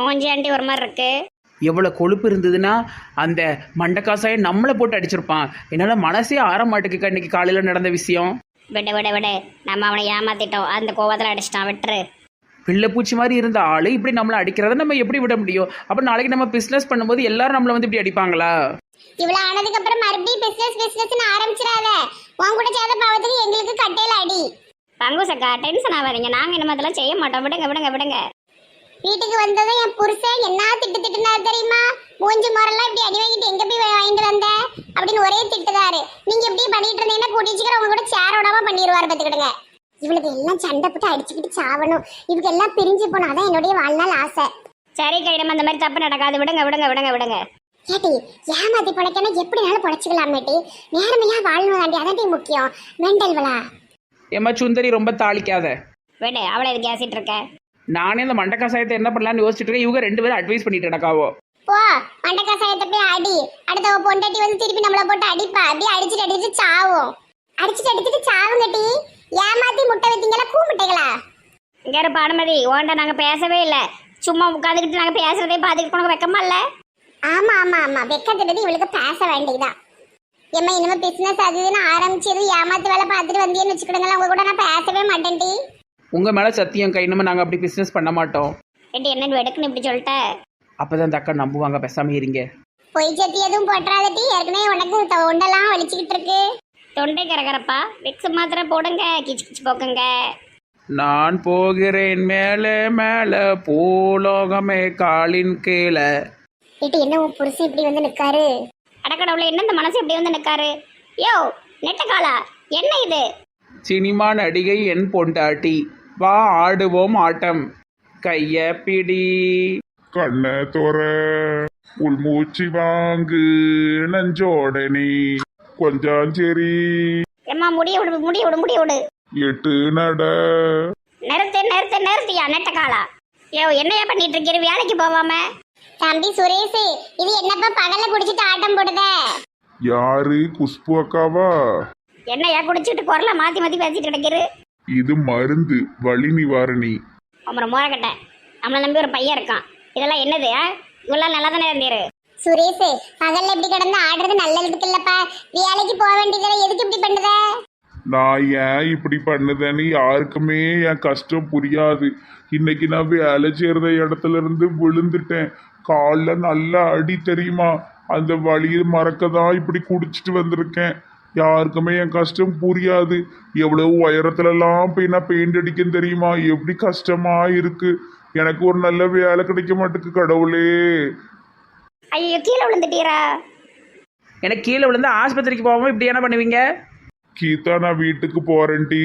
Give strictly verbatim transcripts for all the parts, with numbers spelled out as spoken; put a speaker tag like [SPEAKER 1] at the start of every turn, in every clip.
[SPEAKER 1] மூஞ்சி ஆண்டி ஒரு மாதிரி இருக்கு.
[SPEAKER 2] எவ்வளோ கொழுப்பு இருந்ததுன்னா அந்த மண்டக்காசாயை நம்மளை போட்டு அடிச்சிருப்பான். என்னால் மனசே ஆற மாட்டேங்குக்கா இன்னைக்கு காலையில் நடந்த விஷயம்.
[SPEAKER 1] விடு விடு விடு, நம்ம அவனை ஏமாத்திட்டோம், அந்த கோவத்தில் அடிச்சிட்டான், விட்டுரு.
[SPEAKER 2] பிள்ளைப்பூச்சி மாதிரி இருந்த ஆள் இப்படி நம்மளை அடிக்கிறத நம்ம எப்படி விட முடியும்? அப்போ நாளைக்கு நம்ம பிஸ்னஸ் பண்ணும்போது எல்லாரும் நம்மளை வந்து இப்படி அடிப்பாங்களா?
[SPEAKER 3] இவ்வளவு ஆனதுக்கு அப்புறம் மறுபடியும் பிசினஸ் பிசினஸ் ஆரம்பிச்சிடாத. உன் கூட சேர்ந்த பாவத்துக்கு எங்களுக்கு கட்டையில அடி.
[SPEAKER 1] பங்குசக்கா டென்ஷன் ஆகாதீங்க, நாங்கள் இனிமே அதெல்லாம் செய்ய மாட்டோம், விடுங்க விடுங்க விடுங்க.
[SPEAKER 3] வீட்டுக்கு வந்ததும் என் புருஷன் என்ன திட்டு திட்டுனா தெரியுமா? மூஞ்சி முறையெல்லாம் இப்படி அடி வாங்கிட்டு எங்க போய் வாங்கிட்டு வந்த அப்படின்னு ஒரே திட்டுதாரு. நீங்க இப்படி பண்ணிட்டு இருந்தீங்கன்னா கூட்டிச்சுக்கிற உங்க கூட சேர விடாம பண்ணிடுவாரு பார்த்துக்கிடுங்க. இவளுக்கு எல்லாம் சண்டை போட்டு அடிச்சுக்கிட்டு சாவணும், இவங்க எல்லாம் பிரிஞ்சு போனா அதான் என்னுடைய வாழ்நாள் ஆசை.
[SPEAKER 1] சரி கையிடம், அந்த மாதிரி தப்பு நடக்காது, விடுங்க விடுங்க விடுங்க விடுங்க.
[SPEAKER 3] கேட்டி ஏமாத்தி படைக்கணும், எப்படினாலும் பொழைச்சிக்கலாமேட்டி. நேர்மையா வாழணும் தாண்டி, அதாண்டி முக்கியம். மெண்டல்வலா
[SPEAKER 2] ஏம்மா சுந்தரி ரொம்ப தாளிக்காத.
[SPEAKER 1] விடு, அவளை இது கேசிட்டு இருக்க.
[SPEAKER 2] நானே இந்த மண்டக்காசாயத்தை என்ன பண்ணலான்னு யோசிச்சுட்டு இருக்கேன். இவங்க ரெண்டு பேரும் அட்வைஸ் பண்ணிட்டு நடக்காவோ.
[SPEAKER 3] போ மண்டக்கா சாயத்தை போய் அடி. அடுத்தவ பொண்டாட்டி வந்து திருப்பி நம்மள போட்டு அடிப்பா. அப்படியே அடிச்சுட்டு அடிச்சுட்டு சாவும். அடிச்சுட்டு அடிச்சுட்டு சாவுங்கட்டி. ஏமாத்தி முட்டை வைத்தீங்களா கூ முட்டைகளா?
[SPEAKER 1] இங்க இரு பானுமதி, ஓண்ட நாங்க பேசவே இல்லை, சும்மா உட்காந்துக்கிட்டு நாங்க பேசுறதே பார்த்துக்கிட்டு உனக்கு வெக்கமா இல்ல?
[SPEAKER 3] ஆமா ஆமா ஆமா, வெக்கத்துட்டு இவளுக்கு பேச வேண்டியதுதான். ஏமா இனிமே பிசினஸ் அதுன்னு ஆரம்பிச்சது ஏமாத்து வேலை பார்த்துட்டு வந்தேன்னு வச்சுக்கிடுங்களா, உங்க கூட நான் பேசவே மாட்டேன்டி.
[SPEAKER 2] உங்க மேல சத்தியம் கை, இனிமே நாங்க அப்படி பிசினஸ் பண்ண மாட்டோம்.
[SPEAKER 1] ஏண்டி என்னன்னு வெடுக்குன்னு இப்படி சொல்லிட்ட?
[SPEAKER 2] அப்பதான் அந்த அக்கா நம்புவாங்க, பேசாம இருங்க.
[SPEAKER 3] பொய் சத்தி எதுவும் போட்டுறாதட்டி, ஏற்கனவே உனக்கு தொண்டெல்லாம் வலிச்சுக்கிட்டு இருக்கு.
[SPEAKER 1] தொண்டை கரகரப்பா, விக்ஸ் மாத்திரை போடுங்க, கிச்சு கிச்சு போக்குங்க.
[SPEAKER 2] நான் போகிறேன் மேலே மேலே பூலோகமே காலின் கீழே.
[SPEAKER 3] ஏட்டி என்ன உன் புருஷன் இப்படி வந்து நிக்காரு?
[SPEAKER 1] அடக்கடவுள, என்ன இந்த மனசு இப்படி வந்து நிக்காரு? யோ நெட்டக்காலா, என்ன இது?
[SPEAKER 2] சினிமா நடிகை என் பொண்டாட்டி, வா ஆடுவோம் ஆட்டம், கைய பிடி.
[SPEAKER 4] கண்ண தோற உள்மூச்சு வாங்கு நஞ்சோடனே கொஞ்சம் சரி
[SPEAKER 1] எம்மா முடிய விடு முடிய விடு முடிய விடு.
[SPEAKER 4] எட்டு நட
[SPEAKER 1] நிறுத்து நிறுத்து நிறுத்தியா நெட்டக்காலா. யோ என்னையா பண்ணிட்டு இருக்கிற, வேலைக்கு போவாம?
[SPEAKER 3] தம்பி சுரேஷ், இது என்னப்பா பகல்ல குடிச்சிட்டு ஆட்டம் போடுத?
[SPEAKER 4] யாரு? குஷ்பு அக்காவா?
[SPEAKER 1] என்னையா குடிச்சிட்டு குரல மாத்தி மாத்தி பேசிட்டு கிடைக்கிறு?
[SPEAKER 4] இது மருந்து, வலி நிவாரணி.
[SPEAKER 1] அப்புறம் மோரக்கட்ட, நம்மளை நம்பி ஒரு பையன் இருக்கான், இதெல்லாம் என்னது? இவெல்லாம் நல்லா தானே இருந்தீரு.
[SPEAKER 3] சுரேஷ் பகல்ல இப்படி கிடந்து ஆடுறது நல்லதுக்கு இல்லப்பா. வேலைக்கு போக வேண்டியதுல எதுக்கு இப்படி பண்ணுத?
[SPEAKER 4] நான் ஏன் இப்படி பண்ணுதேன்னு யாருக்குமே என் கஷ்டம் புரியாது. இன்னைக்கு நான் வேலை செய்யறத இடத்துல இருந்து விழுந்துட்டேன். காலில் நல்லா அடி தெரியுமா? அந்த வழியை மறக்க தான் இப்படி குடிச்சிட்டு வந்திருக்கேன். யாருக்குமே என் கஷ்டம் புரியாது. எவ்வளவு உயரத்துலலாம் போய் நான் பெயிண்ட் அடிக்கன்னு தெரியுமா? எப்படி கஷ்டமா இருக்கு. எனக்கு ஒரு நல்ல வேலை கிடைக்க மாட்டேக்கு கடவுளே.
[SPEAKER 1] ஐயோ கீழே விழுந்துட்டீரா?
[SPEAKER 2] எனக்கு கீழே விழுந்து ஆஸ்பத்திரிக்கு போகாம இப்படி என்ன பண்ணுவீங்க?
[SPEAKER 4] கீதா நான் வீட்டுக்கு போறேன்டி.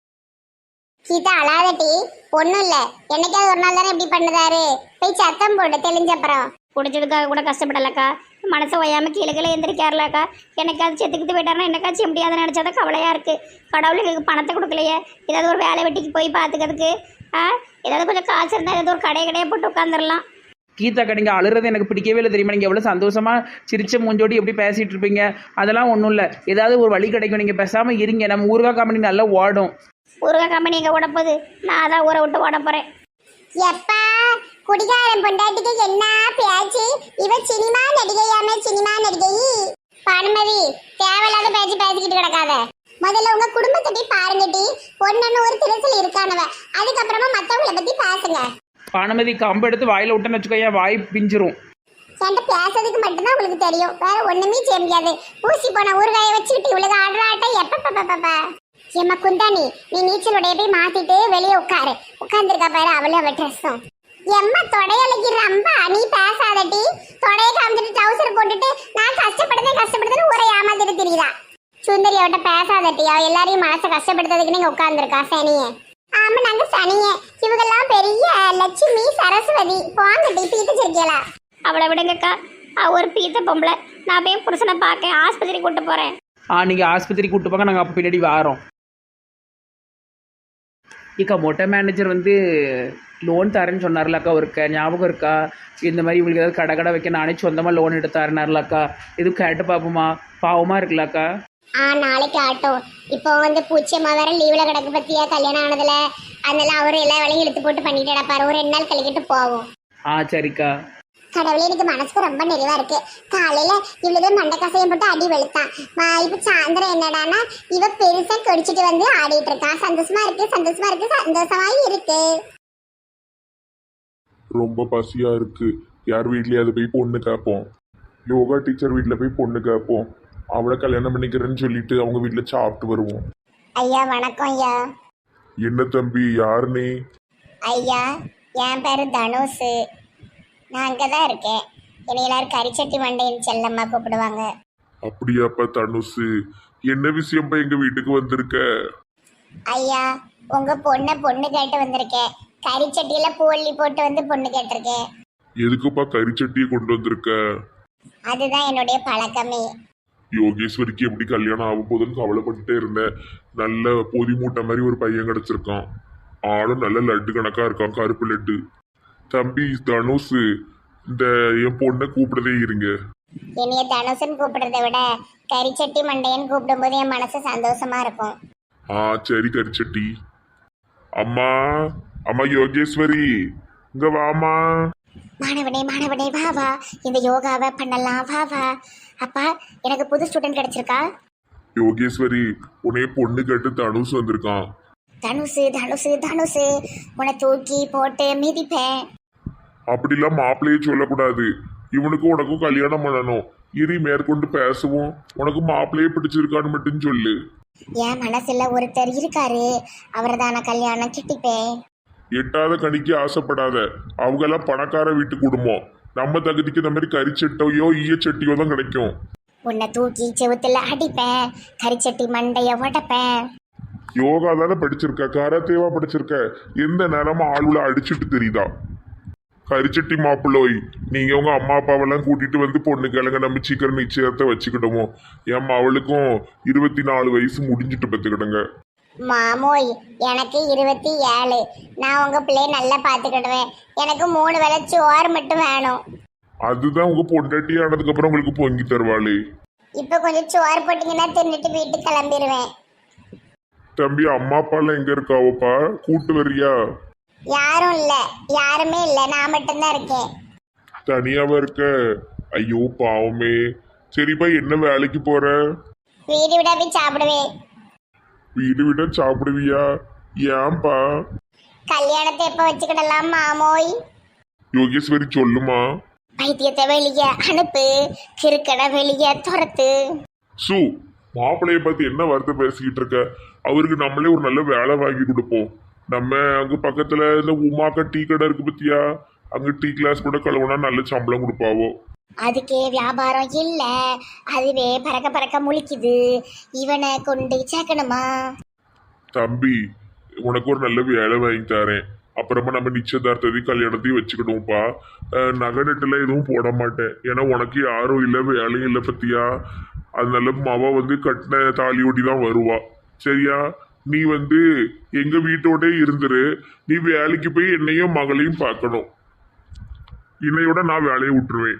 [SPEAKER 3] கீதா அழாதட்டி, ஒண்ணும் இல்ல. என்னைக்காவது ஒரு நாள் தானே இப்படி பண்ணுதாரு. போய் சத்தம் போட்டு தெளிஞ்ச அப்புறம்.
[SPEAKER 1] குடிச்சதுக்காக கூட கஷ்டப்படலக்கா, மனசை ஒய்யாம கீழே கீழே எந்திரிக்காருலக்கா. எனக்காவது செத்துக்கிட்டு போயிட்டாருன்னா என்னக்காச்சு முடியாதுன்னு நினைச்சாதான் கவலையா இருக்கு. கடவுள் எங்களுக்கு பணத்தை கொடுக்கலையே, ஏதாவது ஒரு வேலை வெட்டிக்கு போய் பார்த்துக்கிறதுக்கு. ஆ ஏதாவது கொஞ்சம் காசு இருந்தால் ஏதாவது ஒரு கடை கடையை போட்டு உட்காந்துடலாம்.
[SPEAKER 2] கீதாக்கா நீங்கள் அழுறது எனக்கு பிடிக்கவே இல்லை தெரியுமா? நீங்கள் எவ்வளோ சந்தோஷமாக சிரிச்ச மூஞ்சோடி எப்படி பேசிகிட்டு இருப்பீங்க. அதெல்லாம் ஒன்றும் இல்லை, ஏதாவது ஒரு வழி கிடைக்கும். நீங்கள் பேசாமல் இருங்க, நம்ம ஊருகா கம்பெனி நல்லா ஓடும்.
[SPEAKER 1] ஊருகா கம்பெனி எங்கே ஓட போகுது? நான் அதான் ஊரை விட்டு ஓட போகிறேன்.
[SPEAKER 3] எப்பா குடிகாரன் பொண்டாட்டிக்கு என்ன பேச்சு? இவ சினிமா நடிகையாமே, சினிமா நடிகை. பானுமதி தேவையில்லாத பேச்சு பேசிக்கிட்டு கிடக்காத. முதல்ல உங்க குடும்பத்தை போய் பாருங்கட்டி. பொண்ணுன்னு ஒரு திருசல் இருக்கானவ, அதுக்கப்புறமா மற்றவங்களை பத்தி பேசுங்க.
[SPEAKER 2] பானுமதி கம்பு எடுத்து வாயில் விட்டேன்னு வச்சுக்கோ, என் வாய் பிஞ்சிரும்.
[SPEAKER 3] என்கிட்ட பேசுறதுக்கு மட்டும்தான் உங்களுக்கு தெரியும், வேற ஒண்ணுமே செய்ய முடியாது. ஊசி போன ஊறுகாயை வச்சுக்கிட்டு இவ்வளவு ஆடுற ஆட்டம் எப்ப? ஏம்மா குந்தாணி, நீ நீச்சலுடைய போய் மாத்திட்டு வெளியே உட்காரு. உட்கார்ந்துருக்கா பாரு அவளும் அவ ட்ரெஸ்ஸும். எம்மா தொடையலைக்கு ரொம்ப நீ பேசாதட்டி. தொடையை காமிச்சிட்டு ட்ரௌசர் போட்டுட்டு நான் கஷ்டப்படுதேன் கஷ்டப்படுதுன்னு ஊரை ஏமாத்திட்டு தெரியுதா? சுந்தரி அவட்ட பேசாதட்டி, அவ எல்லாரையும் மனசை கஷ்டப்படுத்துறதுக்கு நீங்க உட்கார்ந்துருக்கா சனியே. ஆமா நாங்க சனியே. இவங்கெல்லாம் பெரிய லட்சுமி சரஸ்வதி. போங்கட்டி பீத்து சிரிக்கலா.
[SPEAKER 1] அவளை விடுங்கக்கா, அவ ஒரு பீத்த பொம்பளை. நான் போய் புருஷனை பார்க்க ஆஸ்பத்திரி கூட்டு போறேன்.
[SPEAKER 2] ஆ நீங்கள் ஆஸ்பத்திரி கூப்பிட்டு போங்க, நாங்கள் அப்போ பின்னாடி வாரோம். இக்கா மொட்டை மேனேஜர் வந்து லோன் தரேன்னு சொன்னார்லக்கா, ஒருக்க ஞாபகம் இருக்கா? இந்த மாதிரி இவங்களுக்கு ஏதாவது கடை கடை வைக்க நானே சொந்தமாக லோன் எடுத்தாருனார்லக்கா. எதுவும் கேட்டு பார்ப்போமா? பாவமாக இருக்குல்லக்கா.
[SPEAKER 3] ஆ நாளைக்கு ஆட்டோம். இப்போ வந்து பூச்சியம்மா வேற லீவ்ல கிடக்கு பத்தியா, கல்யாணம் ஆனதுல. அதனால அவரு எல்லா வேலையும் இழுத்து போட்டு பண்ணிட்டு பாரு. ஒரு ரெண்டு நாள் கழிக்கிட்டு போவோம்.
[SPEAKER 2] ஆ சரிக்கா.
[SPEAKER 3] கடவுளே, எனக்கு மனசுக்கு ரொம்ப நிறைவா இருக்கு. காலையில இவ்வளவு மண்டை கசையம் போட்டு அடி வெளுத்தான். ம- இப்ப சாயந்தரம் என்னடான்னா இவ பெருசா கொடிச்சிட்டு வந்து ஆடிட்டு இருக்கான். சந்தோஷமா இருக்கு, சந்தோஷமா இருக்கு, சந்தோஷமா இருக்கு.
[SPEAKER 4] ரொம்ப பசியா இருக்கு. யார் வீட்லயாவது போய் பொண்ணு கேட்போம். யோகா டீச்சர் வீட்டில் போய் பொண்ணு கேட்போம். அவளை கல்யாணம் பண்ணிக்கிறேன்னு சொல்லிட்டு அவங்க வீட்டில் சாப்பிட்டு வருவோம்.
[SPEAKER 3] ஐயா வணக்கம் ஐயா.
[SPEAKER 4] என்ன தம்பி, யார் நீ?
[SPEAKER 3] ஐயா என் பேரு தனுஷ். நான் அங்கதான் இருக்கேன். என்னை எல்லாரும் கரிச்சட்டி மண்டையின் செல்லம்மா கூப்பிடுவாங்க.
[SPEAKER 4] அப்படியாப்பா தனுசு, என்ன விஷயம்ப்பா எங்க வீட்டுக்கு வந்திருக்க?
[SPEAKER 3] ஐயா உங்க பொண்ணை பொண்ணு கேட்டு வந்திருக்கேன். கரிச்சட்டியில பூவள்ளி போட்டு வந்து பொண்ணு கேட்டிருக்கேன்.
[SPEAKER 4] எதுக்குப்பா கரிச்சட்டியை கொண்டு வந்திருக்க?
[SPEAKER 3] அதுதான் என்னுடைய பழக்கமே.
[SPEAKER 4] யோகேஸ்வரிக்கு எப்படி கல்யாணம் ஆகும் போதுன்னு கவலைப்பட்டுட்டே இருந்தேன். நல்ல பொதி மூட்டை மாதிரி ஒரு பையன் கிடைச்சிருக்கான். ஆளும் நல்ல லட்டு கணக்கா இருக்கான், கருப்பு லட்டு. தம்பி தனுசு, இந்த என் பொண்ணை கூப்பிடதே இருங்க.
[SPEAKER 3] என்னைய தனுஷன் கூப்பிடுறதை விட கரிச்சட்டி மண்டையன் கூப்பிடும்போது என் மனசு சந்தோஷமா இருக்கும்.
[SPEAKER 4] ஆ சரி கரிச்சட்டி. அம்மா, அம்மா யோகேஸ்வரி, இங்க வாமா.
[SPEAKER 3] மாணவனே மாணவனே வா வா, இந்த யோகாவை பண்ணலாம் வா வா. அப்பா எனக்கு புது ஸ்டூடெண்ட் கிடைச்சிருக்கா.
[SPEAKER 4] யோகேஸ்வரி, உன்னைய பொண்ணு கேட்டு தனுசு வந்திருக்கான்.
[SPEAKER 3] தனுசு தனுசு தனுசு உன்னை தூக்கி போட்டு மிதிப்பேன்.
[SPEAKER 4] அப்படிலாம் மாப்பிள்ளையே சொல்லக்கூடாது. இவனுக்கும் உனக்கும் கல்யாணம் பண்ணணும். இரு மேற்கொண்டு பேசுவோம். உனக்கு மாப்பிள்ளையே பிடிச்சிருக்கான்னு மட்டும் சொல்லு.
[SPEAKER 3] என் மனசுல ஒருத்தர் இருக்காரு, அவரை தான் நான் கல்யாணம் கிட்டிப்பேன்.
[SPEAKER 4] எட்டாத கணிக்கு ஆசைப்படாத. அவங்கெல்லாம் பணக்கார வீட்டு குடும்பம். நம்ம தகுதிக்கு இந்த மாதிரி கறிச்சட்டையோ ஈயச்சட்டியோ தான் கிடைக்கும்.
[SPEAKER 3] உன்னை தூக்கி செவுத்துல அடிப்பேன், கரிச்சட்டி மண்டைய உடைப்பேன்.
[SPEAKER 4] யோகா தானே படிச்சிருக்க, கராத்தேவா படிச்சிருக்க. எந்த நேரமும் ஆளுல அடிச்சுட்டு தெரியுதா? கரிச்சட்டி மாப்பிள்ளோய், நீங்க உங்க அம்மா அப்பாவெல்லாம் கூட்டிட்டு வந்து பொண்ணு கிழங்க நம்ம சீக்கிரம் நிச்சயத்தை வச்சுக்கிட்டோமோ. என் அவளுக்கும் இருபத்தி நாலு வயசு முடிஞ்சிட்டு பத்துக்கிடுங்க.
[SPEAKER 3] மாமோய் எனக்கு இருபத்தி ஏழு. நான் உங்க பிள்ளைய நல்லா பாத்துக்கிடுவேன். எனக்கு மூணு வேளை சோறு மட்டும் வேணும்.
[SPEAKER 4] அதுதான் உங்க பொண்டாட்டி ஆனதுக்கு அப்புறம் உங்களுக்கு பொங்கி தருவாளே.
[SPEAKER 3] இப்ப கொஞ்சம் சோறு போட்டீங்கன்னா தின்னுட்டு வீட்டுக்கு கிளம்பிடுவேன்.
[SPEAKER 4] தம்பி, அம்மா அப்பாலாம் எங்க இருக்காவப்பா? கூட்டு வரியா?
[SPEAKER 3] யாரும் இல்ல, யாருமே இல்ல, நான் மட்டும்தான் இருக்கேன்.
[SPEAKER 4] தனியாவா இருக்க? ஐயோ பாவமே. சரிப்பா, என்ன வேலைக்கு போற?
[SPEAKER 3] வீடு விட போய் சாப்பிடுவேன்.
[SPEAKER 4] வீடு விட சாப்பிடுவியா? ஏன்பா?
[SPEAKER 3] கல்யாணத்தை எப்ப வச்சுக்கிடலாம் மாமோய்?
[SPEAKER 4] யோகேஸ்வரி சொல்லுமா.
[SPEAKER 3] பைத்தியத்தை வெளிய அனுப்பு, கிறுக்கடை வெளிய துரத்து.
[SPEAKER 4] சு, மாப்பிள்ளைய பார்த்து என்ன வார்த்தை பேசிக்கிட்டு இருக்க? அவருக்கு நம்மளே ஒரு நல்ல வேலை வாங்கி கொடுப்போம். நம்ம அங்க பக்கத்துல இந்த உமாக்கா டீ கடை இருக்கு பத்தியா? அங்க டீ கிளாஸ் கூட கழுவுனா நல்ல சம்பளம் கொடுப்பாவோ.
[SPEAKER 3] அதுக்கே வியாபாரம் இல்ல, அதுவே பறக்க பறக்க முழிக்குது. இவனை கொண்டு சேர்க்கணுமா?
[SPEAKER 4] தம்பி, உனக்கு ஒரு நல்ல வேலை வாங்கி தரேன். அப்புறமா நம்ம நிச்சயதார்த்தத்தையும் கல்யாணத்தையும் வச்சுக்கணும்ப்பா. நகை நட்டுல எதுவும் போட மாட்டேன். ஏன்னா உனக்கு யாரும் இல்லை, வேலையும் இல்லை பத்தியா. அதனால மாவா வந்து கட்டின தாலியோடி தான் வருவா. சரியா? நீ வந்து எங்க வீட்டோட இருந்துரு. நீ வேலைக்கு போய் என்னையும் மகளையும் பார்க்கணும். இன்னையோட நான் வேலையை விட்டுருவேன்.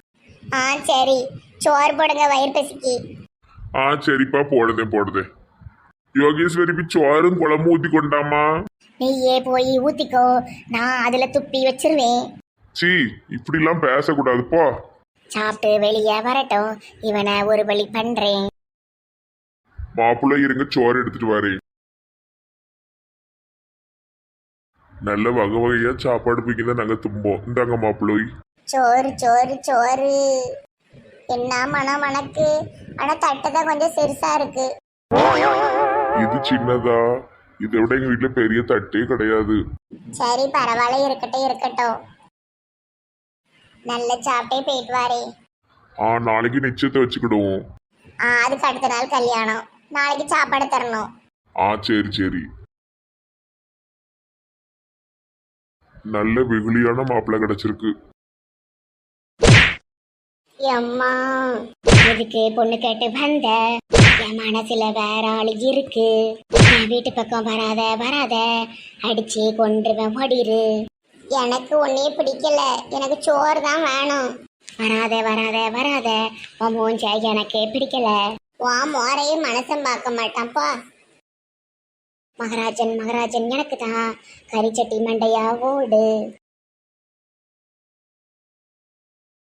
[SPEAKER 3] ஆ சரி, சோறு போடுங்க வயிறு பசிக்கு.
[SPEAKER 4] ஆ சரிப்பா, போடுதேன் போடுதேன். யோகேஸ்வரி போய் சோறும் குழம்பு ஊத்தி கொண்டாமா.
[SPEAKER 3] நீயே போய் ஊத்திக்கோ, நான் அதுல துப்பி வச்சிருவேன்.
[SPEAKER 4] சி, இப்படிலாம் பேசக்கூடாதுப்பா.
[SPEAKER 3] சாப்பிட்டு வெளியே வரட்டும், இவனை ஒரு வழி பண்றேன்.
[SPEAKER 4] மாப்பிள்ளை இருங்க, சோறு எடுத்துட்டு வரேன். நல்ல வகை வகையா சாப்பாடு பிடிக்கும் தான் நாங்க தும்போம். இந்தாங்க மாப்பிள்ளை.
[SPEAKER 3] சோறு சோறு சோறு. என்ன மனம் மணக்கு. ஆனா தட்டுதான் கொஞ்சம் சிறுசா இருக்கு.
[SPEAKER 4] இது சின்னதா? இதை விட எங்க வீட்டுல பெரிய தட்டே கிடையாது.
[SPEAKER 3] சரி பரவாயில்ல, இருக்கட்டும் இருக்கட்டும். நல்ல சாப்பிட்டே போயிட்டு வாரே.
[SPEAKER 4] ஆ, நாளைக்கு நிச்சயத்தை வச்சுக்கிடுவோம்.
[SPEAKER 3] ஆ அதுக்கு அடுத்த நாள் கல்யாணம். நாளைக்கு சாப்பாடு தரணும்.
[SPEAKER 4] ஆ சரி சரி. நல்ல வெகுளியான மாப்பிள்ளை கிடைச்சிருக்கு.
[SPEAKER 3] அம்மா எதுக்கு பொண்ணு கேட்டு வந்த? என் மனசுல வேற ஆளு இருக்கு. என் வீட்டு பக்கம் வராத வராத, அடிச்சு கொன்றுவேன், ஓடிரு. எனக்கு ஒன்னே பிடிக்கல, எனக்கு சோறு தான் வேணும். வராத வராத வராத, உன் மூஞ்ச எனக்கே பிடிக்கல. வா மோரையும் மனசம் பார்க்க மாட்டான்ப்பா. மகராஜன் மகராஜன் எனக்கு தான், கரிச்சட்டி மண்டையா ஓடு.